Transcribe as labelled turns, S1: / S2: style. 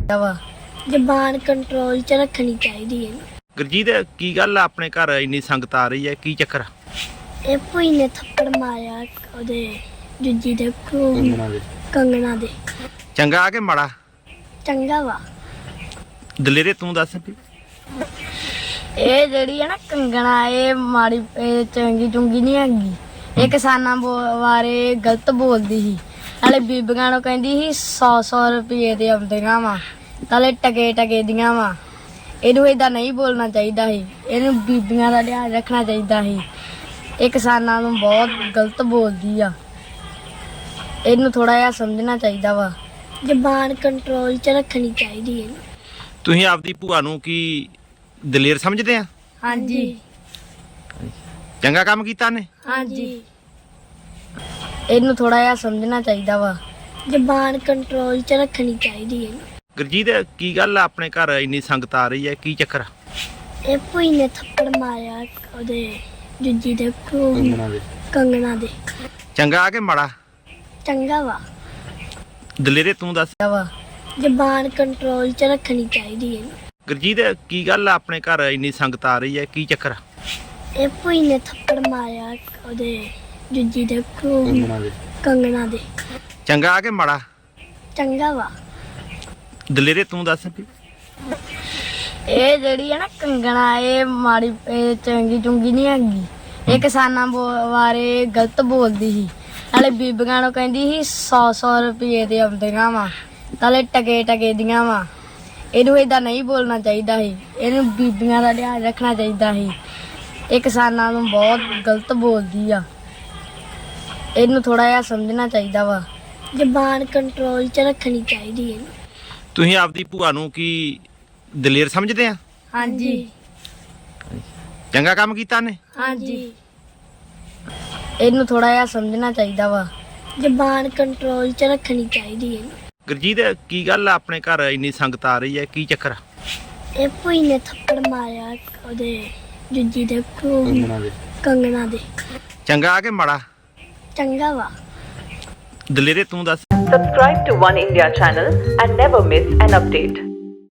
S1: ਵਾ ਜ਼ਬਾਨ ਕੰਟਰੋਲ 'ਚ ਰੱਖਣੀ ਚਾਹੀਦੀ ਹੈ।
S2: ਗੁਰਜੀਤ ਕੀ ਗੱਲ ਆ ਆਪਣੇ ਘਰ ਇੰਨੀ ਸੰਗਤ ਆ ਰਹੀ ਹੈ, ਕੀ ਚੱਕਰ?
S1: ਇਹ ਭੂਈ ਨੇ ਥੱਪੜ ਮਾਰਿਆ ਉਹਦੇ ਜੁੱਜੀ ਦੇ ਕੰਗਣਾ ਦੇ।
S2: ਚੰਗਾ ਆ ਕਿ ਮਾੜਾ?
S1: ਚੰਗਾ ਵਾ।
S2: ਦਲੇਰੇ ਤੂੰ ਦੱਸ ਵੀ।
S1: ਇਹ ਜਿਹੜੀ ਹੈ ਨਾ ਕੰਗਣਾ, ਇਹ ਮਾੜੀ ਇਹ ਚੰਗੀ ਚੁੰਗੀ ਨਹੀਂ ਹੈਗੀ। ਇਹ ਕਿਸਾਨਾਂ ਬਾਰੇ ਗਲਤ ਬੋਲਦੀ ਸੀ, ਨਾਲੇ ਬੀਬੀਆਂ ਨੂੰ ਕਹਿੰਦੀ ਸੀ 100 ਰੁਪਏ ਦੇ ਆਉਂਦੀਆਂ ਵਾ, ਨਾਲੇ ਟਕੇ ਦੀਆਂ ਵਾ। ਇਹਨੂੰ ਏਦਾਂ ਨਹੀਂ ਬੋਲਣਾ ਚਾਹੀਦਾ ਸੀ, ਇਹਨੂੰ ਬੀਬੀਆਂ ਦਾ ਧਿਆਨ ਰੱਖਣਾ ਚਾਹੀਦਾ ਸੀ। ਇਹ ਕਿਸਾਨਾਂ ਨੂੰ ਬਹੁਤ ਗਲਤ ਬੋਲਦੀ ਆ, ਇਹਨੂੰ ਥੋੜਾ ਜਿਹਾ ਸਮਝਣਾ ਚਾਹੀਦਾ ਵਾ। ਜ਼ਬਾਨ ਕੰਟਰੋਲ 'ਚ ਰੱਖਣੀ ਚਾਹੀਦੀ ਹੈ।
S2: ਤੁਸੀਂ ਆਪਦੀ ਭੂਆ ਨੂੰ ਕੀ ਦਲੇਰ ਸਮਝਦੇ ਆ?
S1: ਹਾਂਜੀ।
S2: ਚੰਗਾ ਕੰਮ ਕੀਤਾ ਨੇ?
S1: ਹਾਂਜੀ। ਇਹਨੂੰ ਥੋੜਾ ਜਿਹਾ ਸਮਝਣਾ ਚਾਹੀਦਾ ਵਾ। ਜ਼ਬਾਨ ਕੰਟਰੋਲ 'ਚ ਰੱਖਣੀ ਚਾਹੀਦੀ ਹੈ।
S2: ਗੁਰਜੀਤ ਕੀ ਗੱਲ ਆ ਆਪਣੇ ਘਰ ਇੰਨੀ ਸੰਗਤ ਆ ਰਹੀ ਹੈ, ਕੀ ਚੱਕਰ?
S1: ਇਹ ਭੂਈ ਨੇ ਥੱਪੜ ਮਾਰਿਆ ਉਹਦੇ ਜੁੱਜੀ ਦੇ ਕੰਗਣਾ ਦੇ।
S2: ਚੰਗਾ ਆ ਕਿ ਮਾੜਾ?
S1: ਚੰਗਾ ਵਾ।
S2: ਦਲੇਰੇ ਤੂੰ ਦੱਸ।
S1: ਜ਼ਬਾਨ ਕੰਟਰੋਲ 'ਚ ਰੱਖਣੀ ਚਾਹੀਦੀ ਹੈ।
S2: ਗੁਰਜੀਤ ਕੀ ਗੱਲ ਆ ਆਪਣੇ ਘਰ ਇੰਨੀ ਸੰਗਤ ਆ ਰਹੀ ਹੈ, ਕੀ ਚੱਕਰ?
S1: ਇਹ ਭੂਈ ਨੇ ਥੱਪੜ ਮਾਰਿਆ ਉਹਦੇ ਜੁੱਜੀ ਦੇ ਕੰਗਣਾ ਦੇ।
S2: ਚੰਗਾ ਆ ਕਿ ਮਾੜਾ?
S1: ਚੰਗਾ ਵਾ।
S2: ਦਲੇਰੇ ਤੂੰ ਦੱਸ ਵੀ।
S1: ਇਹ ਜਿਹੜੀ ਹੈ ਨਾ ਕੰਗਣਾ, ਇਹ ਮਾੜੀ ਇਹ ਚੰਗੀ ਚੁੰਗੀ ਨਹੀਂ ਹੈਗੀ। ਇਹ ਕਿਸਾਨਾਂ ਬਾਰੇ ਗਲਤ ਬੋਲਦੀ ਸੀ, ਨਾਲੇ ਬੀਬੀਆਂ ਨੂੰ ਕਹਿੰਦੀ ਸੀ 100 ਰੁਪਏ ਦੇ ਆਉਂਦੀਆਂ ਵਾ, ਨਾਲੇ ਟਕੇ ਦੀਆਂ ਵਾ। ਇਹਨੂੰ ਏਦਾਂ ਨਹੀਂ ਬੋਲਣਾ ਚਾਹੀਦਾ ਸੀ, ਇਹਨੂੰ ਬੀਬੀਆਂ ਦਾ ਧਿਆਨ ਰੱਖਣਾ ਚਾਹੀਦਾ ਸੀ। ਇਹ ਕਿਸਾਨਾਂ ਨੂੰ ਬਹੁਤ ਗਲਤ ਬੋਲਦੀ ਆ, ਇਹਨੂੰ ਥੋੜਾ ਜਿਹਾ ਸਮਝਣਾ ਚਾਹੀਦਾ ਵਾ। ਜ਼ਬਾਨ ਕੰਟਰੋਲ 'ਚ ਰੱਖਣੀ ਚਾਹੀਦੀ ਹੈ।
S2: ਤੁਸੀਂ ਆਪਦੀ ਭੂਆ ਨੂੰ ਕੀ ਦਲੇਰ ਸਮਝਦੇ ਆ?
S1: ਹਾਂਜੀ।
S2: ਚੰਗਾ ਕੰਮ ਕੀਤਾ ਨੇ?
S1: ਹਾਂਜੀ। ਇਹਨੂੰ ਥੋੜਾ ਜਿਹਾ ਸਮਝਣਾ ਚਾਹੀਦਾ ਵਾ। ਜ਼ਬਾਨ ਕੰਟਰੋਲ 'ਚ ਰੱਖਣੀ ਚਾਹੀਦੀ ਹੈ।
S2: ਗੁਰਜੀਤ ਕੀ ਗੱਲ ਆ ਆਪਣੇ ਘਰ ਇੰਨੀ ਸੰਗਤ ਆ ਰਹੀ ਹੈ, ਕੀ ਚੱਕਰ?
S1: ਇਹ ਭੂਈ ਨੇ ਥੱਪੜ ਮਾਰਿਆ ਉਹਦੇ ਜੁੱਜੀ ਦੇ ਕੰਗਣਾ ਦੇ।
S2: ਚੰਗਾ ਆ ਕਿ ਮਾੜਾ?
S1: ਚੰਗਾ ਵਾ।
S2: ਦਲੇਰੇ ਤੂੰ ਦੱਸ।
S3: Subscribe to One India channel and never miss an update.